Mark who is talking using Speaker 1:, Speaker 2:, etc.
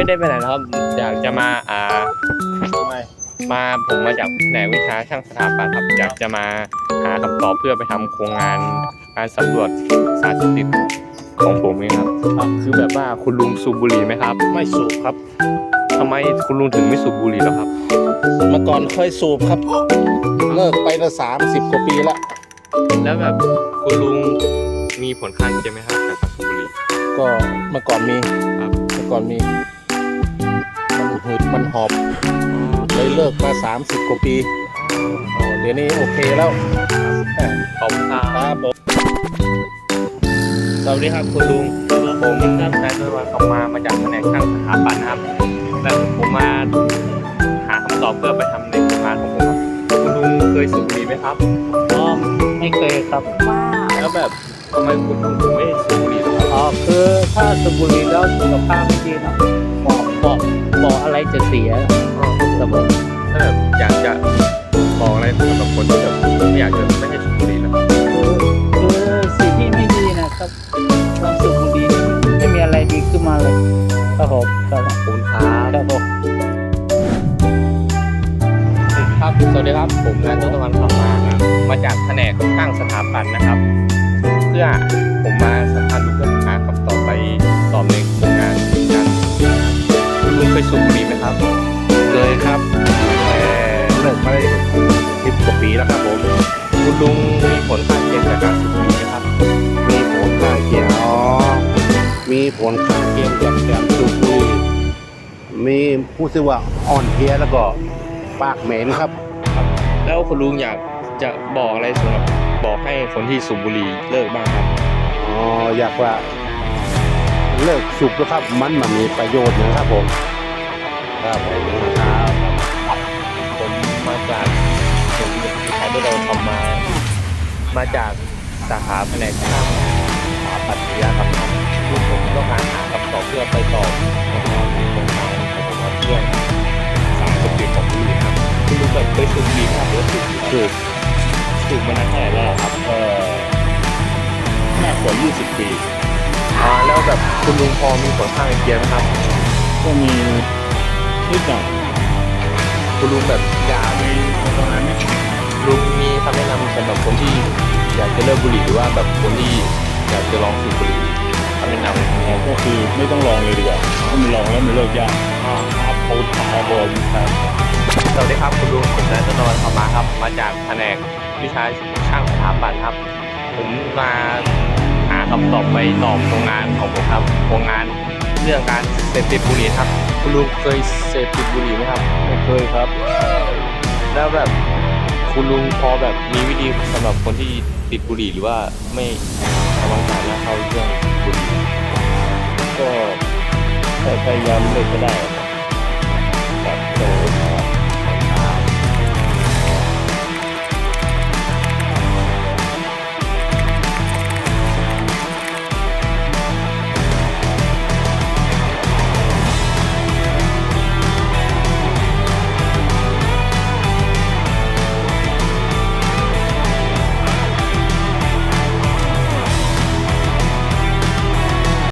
Speaker 1: ไม่ได้ไปไหนนะครับอยากจะมาผมมาจากแผนกวิชาช่างสถาปัตย์ครับอยากจะมาหาคำตอบเพื่อไปทำโครงงานการสำรวจสารเสพติดของผมเองครับคือแบบว่าคุณลุงสูบบุหรี่ไหมครับ
Speaker 2: ไม่สูบครับ
Speaker 1: ทำไมคุณลุงถึงไม่สูบบุหรี่หรอครับ
Speaker 2: เมื่อก่อนเคยสูบครับเลิกไปละ30 กว่าปีละ
Speaker 1: แล้วแบบคุณลุงมีผลข้างเคียงไหมครับจากการสูบบุหรี่
Speaker 2: ก็เมื่อก่อนมี
Speaker 1: ครับ
Speaker 2: เมื่อก่อนมีมันหืดมันหอบเลยเลิกมา30 กว่าปีเดี๋ยวนี้โอเคแล้ว
Speaker 1: ขอบคุณ
Speaker 2: ครับ
Speaker 1: สวัสดีครับคุณลุงผมนายตะวันออกมาจากแผนกช่างสถาปัตย์นะครับและผมมาหาคำตอบเพื่อไปทำในโครงงานของผมครับคุณลุงเคยสูบบุหรี่ไหมครับ
Speaker 3: ไม่เคยครับ
Speaker 1: แล้วแบบทำไมคุณลุงถึงไม่สูบบุหรี่ล่ะครับ
Speaker 3: คือถ้าสูบบุหรี่แล้วสุขภาพไม่ดีนะบอกอะไรจะเสียครับผม
Speaker 1: ถ้าแบบอยากจะบอกอะไรสำหรับคนที่แบบไม่อยากจะไม่ให้สูบบุหรี่นะครับ
Speaker 3: คือสิ่งที่ไม่ดีนะครับความสูบบุหรี่ไม่มีอะไรดีขึ้นมาเลยครับผม
Speaker 1: ขอบคุณครับ
Speaker 3: ผม
Speaker 1: ครับสวัสดีครับผมนายตะวันมาจากแผนกช่างสถาปัตย์นะครับเพื่อผมมาสัมภาษณ์ลุงเพื่อหาคำตอบไปตอบในโครงงานกันคุณลุงเคยสูบบุหรี่ไหมครับ
Speaker 2: เคยครับเลิกมาได้10 กว่าปีแล้วครับผม
Speaker 1: คุณลุงมีผลข้างเคียงจากการสูบบุหรี่ไหมครับ
Speaker 2: มีผลข้างเคียงมีผลข้างเคียงจากการสูบบุหรี่มีผู้สึกว่าอ่อนเพลียแล้วก็ปากเหม็นครับ
Speaker 1: แล้วคุณลุงอยากจะบอกอะไรสำหรับบอกให้คนที่สูบบุหรี่เลิกบ้างครับ
Speaker 2: อยากว่าเลิกสูบนะครับมันมีประโยชน์นะครับผม
Speaker 1: ครับผมมาจากผมที่เราทำมาจากสาขาแผนกช่างสถาปัตยกรรมครับผมต้องการหาคำตอบเพื่อไปตอบในโครงการของผมเรื่องสารเสพติดของบุหรี่ครับคุณลุงแบบเคยสูบบุหรี่ครับหรือสูบมานานเท่าไหร่แล้วครับ
Speaker 2: มากกว่า20 ปี
Speaker 1: แล้วแบบคุณลุงพอมีผลข้างเคียงไหมครับ
Speaker 2: ก็มีนิดหน่อย
Speaker 1: คุณลุงแบบอยากมีประมาณนี้ลุงมีคำแนะนำสำหรับคนที่อยากจะเลิกบุหรี่หรือว่าแบบคนที่อยากจะลองสูบบุหรี่คำแนะนำ
Speaker 2: ก็คือไม่ต้องลองเลยดีกว่าถ้ามันลองแล้วมันเลิกยาก
Speaker 1: ครับผมครับสวัสดีครับคุณลุงผมนายตะวันเข้ามาครับมาจากแผนกวิชาช่างสถาปัตย์ครับผมมาหาคำตอบไปตอบโครงงานของผมครับโครงงานเรื่องการเสพติดบุหรี่ครับคุณลุงเคยเสพติดบุหรี่ไหมครับ
Speaker 2: ไม่เคยครับ
Speaker 1: แล้วแบบคุณลุงพอแบบมีวิธีสำหรับคนที่ติดบุหรี่หรือว่าไม่ระวังการเข้าเรื่องบุหรี่
Speaker 2: ก็พยายามเลิกก็ได้